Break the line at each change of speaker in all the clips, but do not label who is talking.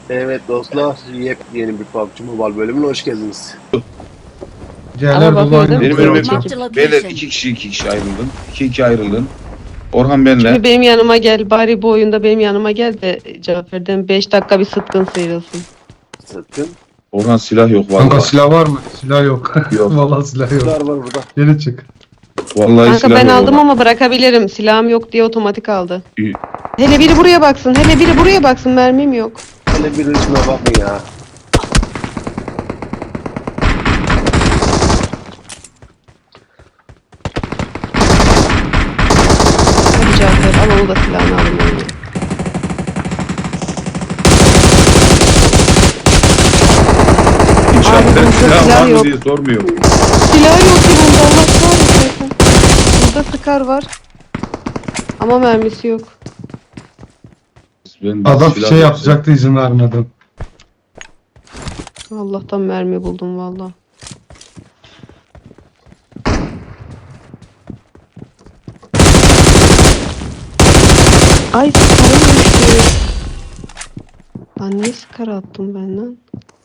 Evet dostlar, yepyeni bir PUBG Mobile bölümüne hoş geldiniz.
Yerler
Ama
dolu
bakıyor değil
aynı.
mi?
Benim
Kırmızı
önüme
çekim.
Marked a
beyler
location.
iki kişi ayrılın. İki ayrılın. Orhan benle.
Şimdi benim yanıma gel. Bari bu oyunda benim yanıma gel de Cafer'den 5 dakika bir sıtkın sıyrılsın.
Sakın.
Orhan silah yok
Kanka
vallahi.
silah var mı? Silah yok.
Yok.
Vallahi silah yok.
Var var burada.
Geri çık.
Vallahi
Kanka
silah
ben
yok
aldım
Orhan.
ama bırakabilirim. Silahım yok diye otomatik aldı.
İyi.
Hele biri buraya baksın. Hele biri buraya baksın. Mermim yok.
Hele bir üstüne bakın ya.
Hadi Cafer al onu da silahını alın. Yani.
İnşaat
burada
silah
silah
var mı
yok.
diye sormuyor.
Silah yok ki bunda. Allah kahretsin. Burada sıkar var. Ama mermisi yok.
Ben
Adam
silah
şey
yok.
yapacaktı izin vermedim.
Allah'tan mermi buldum valla. Ay sıkarım düştü. Lan niye sıkar attım ben lan?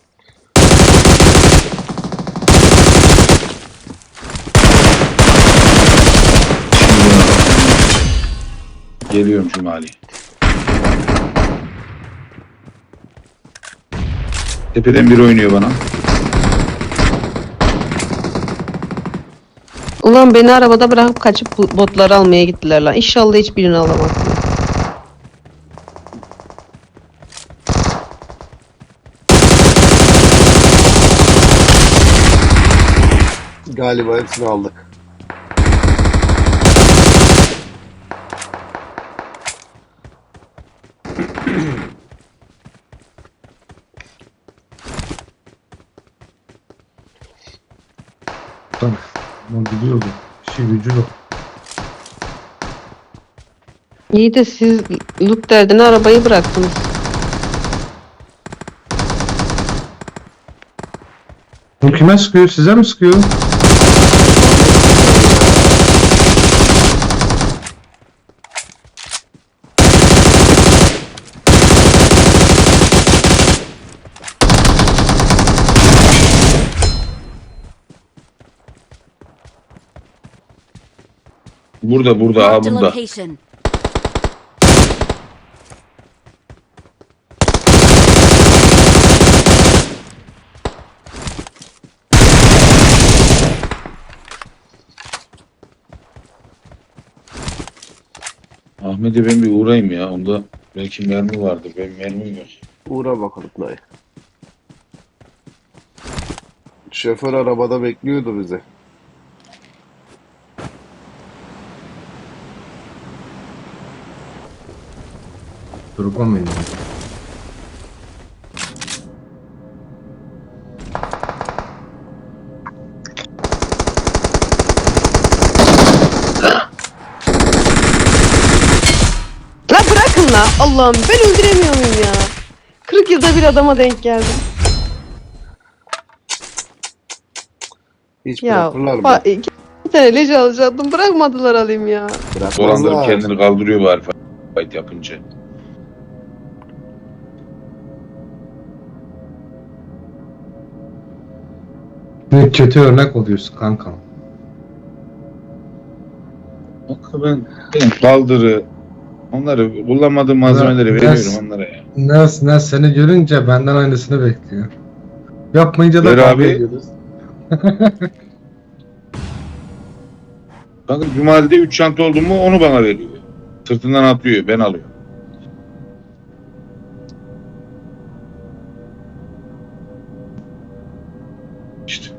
Geliyorum Cumali. Tepeden biri oynuyor bana.
Ulan beni arabada bırakıp kaçıp botları almaya gittiler lan. İnşallah hiçbirini alamazsın.
Galiba hepsini aldık.
Tamam. Ama gidiyordu. İşi gücü yok.
İyi de siz loot derdine arabayı bıraktınız.
Bu kime sıkıyor? Size mi sıkıyor?
Burada
Marked a
burada.
location.
Ahmet'e ben bir uğrayayım ya. Onda belki mermi vardır. Benim mermim yok.
Uğra bakalım dayı. Şoför arabada bekliyordu bizi.
Durgun benim.
La bırakın la. Allah'ım ben öldüremiyor muyum ya? 40 yılda bir adama denk geldim.
Hiç
Ya
bırakırlar mı?
iki tane leş alacaktım. Bırakmadılar alayım ya.
Dolandırıp
Bırakmazlar.
kendini kaldırıyor bari fight yapınca.
Ne kötü örnek oluyorsun kankam.
Bak ben kaldırı onları kullanmadığım malzemeleri
Ya,
veriyorum
yes.
onlara ya.
Ne seni görünce benden aynısını bekliyor. Yapmayınca da
Ver
kavga
abi.
ediyoruz.
Bakın Cumali'de 3 çanta oldu mu onu bana veriyor. Sırtından atlıyor ben alıyorum. İşte.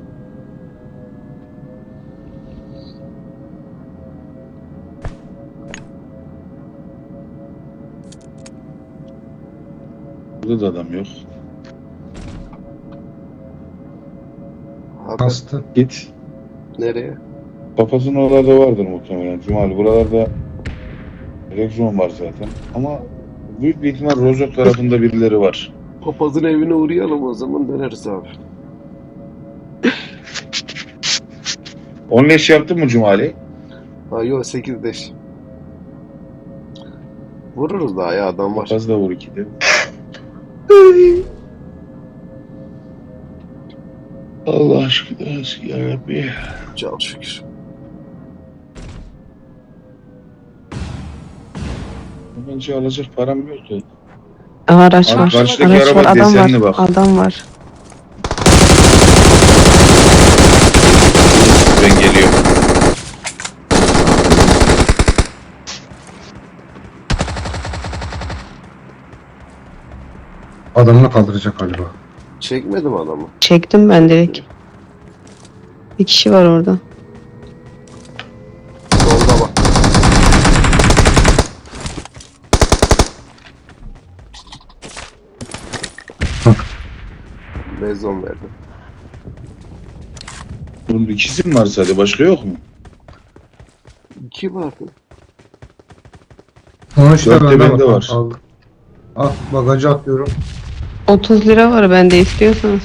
Burada da adam yok.
Hakan,
Hasta.
Git.
nereye?
Papazın oralarda vardır muhtemelen. Cumali buralarda Rexon var zaten. Ama büyük bir ihtimal Rozok tarafında birileri var.
Papazın evine uğrayalım o zaman döneriz abi.
Onun eş yaptın mı Cumali?
Ha yok 8 deş. Vururuz daha ya adam var.
Papaz da vur ikide. Allah aşkına yarabbi.
Çok şükür.
Bence alacak param yoktu.
Araç
Abi
var.
karşıdaki
Araç
araba
var. Adam
desenli
var.
bak.
Adam var.
Ben geliyorum.
Adamını kaldıracak galiba.
Çekmedim adamı.
Çektim ben direkt. Bir kişi var orada.
Solda bak. Bezon verdim.
Bunun ikisi mi var sadece? Başka yok mu?
2 vardı.
Onu işte
Dörtte
bende
bende
var.
var.
Al. Al bagajı atıyorum.
30 lira var bende istiyorsanız.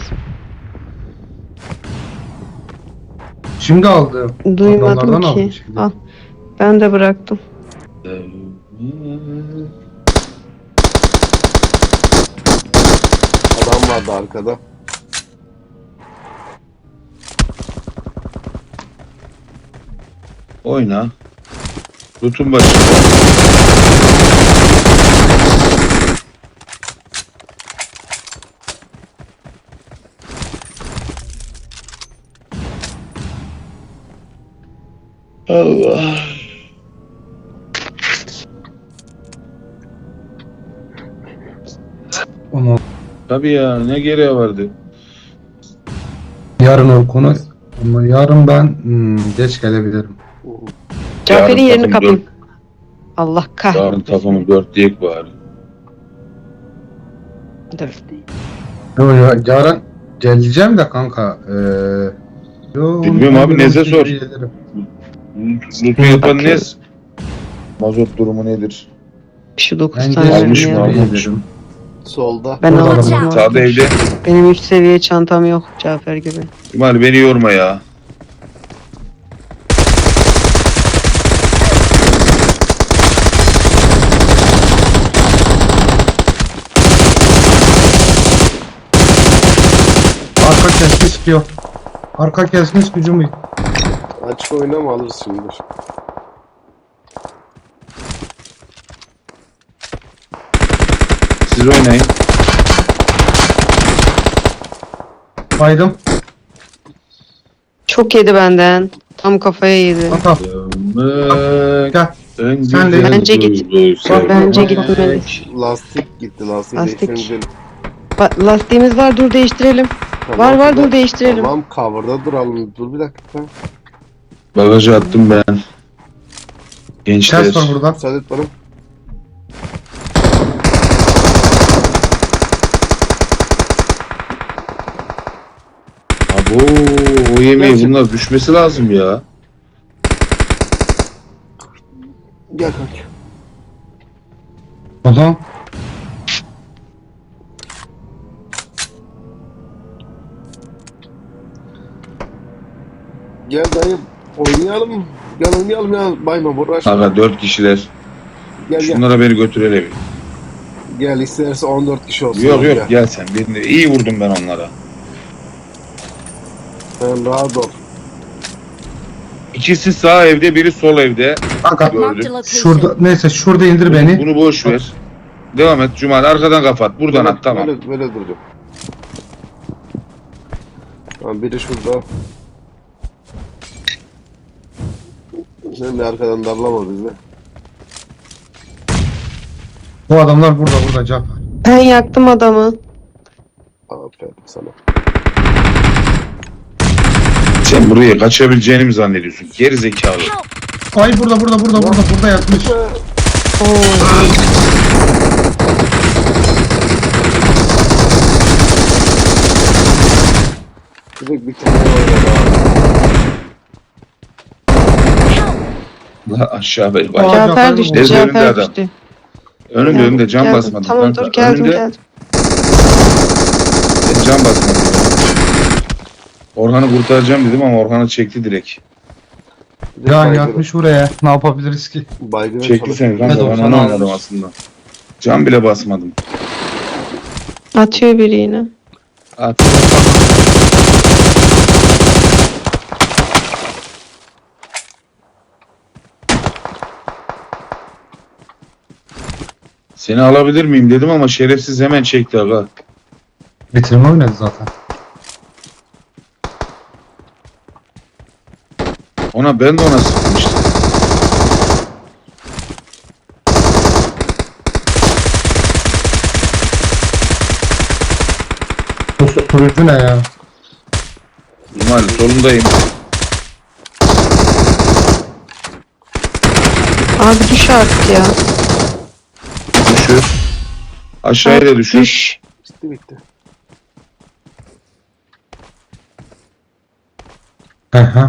Şimdi aldım.
Duymadım
Adamlardan aldım
ki.
şimdi.
Al. Ben de bıraktım.
Adam vardı arkada.
Oyna. Lutun başında. Allah.
Onu
Tabii ya, ne gereği vardı?
yarın o konu. Ama yarın ben geç gelebilirim.
Cafer'in
Yarın
yerini
takım
kapayım. Allah
Yarın
kahretsin.
takımı 4 diyek bari.
Dur.
Yarın geleceğim de kanka. Yo,
Bilmiyorum abi, Nez'e sor.
gelirim.
Lutun yapan ne?
Bakıyorum.
Mazot durumu nedir?
Şu 9
Ben
tane
almış
geleceğim,
mı,
ya.
almış.
gelirim.
Solda.
Ben
Orada
aldım.
adam.
Sağda evde.
Benim 3 seviye çantam yok Cafer gibi.
Cumali beni yorma ya.
Arka kesmiş diyor. Arka kesmiş gücüm yok.
Açık oynama alırız şimdi.
Siz oynayın.
Baydım.
Çok yedi benden. Tam kafaya yedi.
Kanka
Dönmek
gel.
en
Sen de-
güzel
Bence git.
duygu sevmek.
Bence gitmeli.
Lastik gitti. Lastik
Lastik.
değiştirelim.
Lastiğimiz var, dur değiştirelim. Var, var, dur değiştirelim.
Tamam, cover'da duralım. Dur bir dakika.
Bagajı attım ben. Gençler.
Ters var burada.
Müsaade et bana.
Abo, o yemeği
Gerçekten.
bunlar düşmesi lazım ya.
Gel kanka.
Adam.
Gel dayı. Oynayalım. Gel oynayalım ya. Bayma uğraşma.
Aga 4 kişiler.
Gel gel.
Şunlara beni götürelim.
Gel isterse 14 kişi olsun.
Yok yok
Gel.
gel sen. Birini. İyi vurdum ben onlara.
Sen rahat ol.
İkisi sağ evde, biri sol evde.
Kanka
Gördüm.
şurada neyse şurada indir beni.
Bunu boş ver. Devam et Cumali, arkadan kapat. Buradan
Böyle-
at, tamam.
Böyle duracağım. Tamam, biri şurada. Sen de arkadan darlama bizi.
Bu adamlar burada Cafer.
Ben yaktım adamı.
Aferin sana.
Sen buraya kaçabileceğini mi zannediyorsun? Geri zekalı.
Ay burada yatmış.
Oo.
Direkt bir tane oynadı abi.
La aşağı ver.
Aa,
Bak.
Cafer
Cafer düştü,
Neyse, önünde
Cafer
adam.
düştü.
Önümde önümde cam
Geldim.
basmadım.
Tamam
kanka.
dur geldim
Önümde
geldim.
ben cam basmadım. Orhan'ı kurtaracağım dedim ama Orhan'ı çekti direkt.
Direkt
Ya
baygın-
yatmış oraya. Ne yapabiliriz ki?
baygına
Çekti
çalış.
seni kanka,
Ne de
ben
olsa
onu
almış.
oynadım aslında. Cam bile basmadım.
Atıyor biri yine.
At. Seni alabilir miyim dedim ama şerefsiz hemen çekti aga.
Bitirme oynadı zaten.
Ben de ona sıkmıştım.
Bu turuncu ne ya?
Cumali solundayım.
Abi düş artık ya.
Düşür. Aşağıya da düşür.
Düş.
Bitti.
Aha.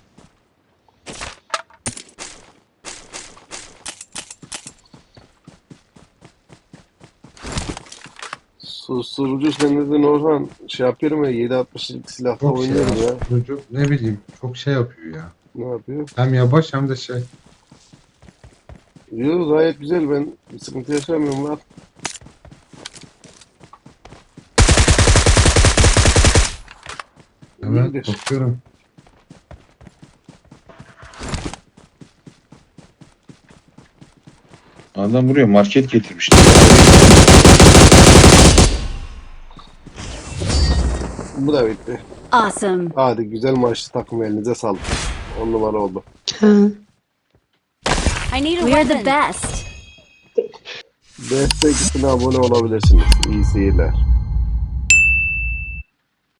Susturucu sen dedin Orhan. Şey yapıyorum ya 7.62'lik silahla
Çok şey
oynuyorum ya.
ya. Çocuk ne bileyim çok şey yapıyor ya.
Ne yapıyor?
Hem yavaş hem de şey.
Yo gayet güzel, ben bir sıkıntı yaşamıyorum lan.
Evet
İyidir.
bakıyorum.
Adam buraya market getirmişti.
Bu da bitti.
Awesome.
Hadi güzel maçlı takım, elinize sağlık. 10 numara oldu.
Ha.
I need a We are the best.
Destek için abone olabilirsiniz. İyi seyirler.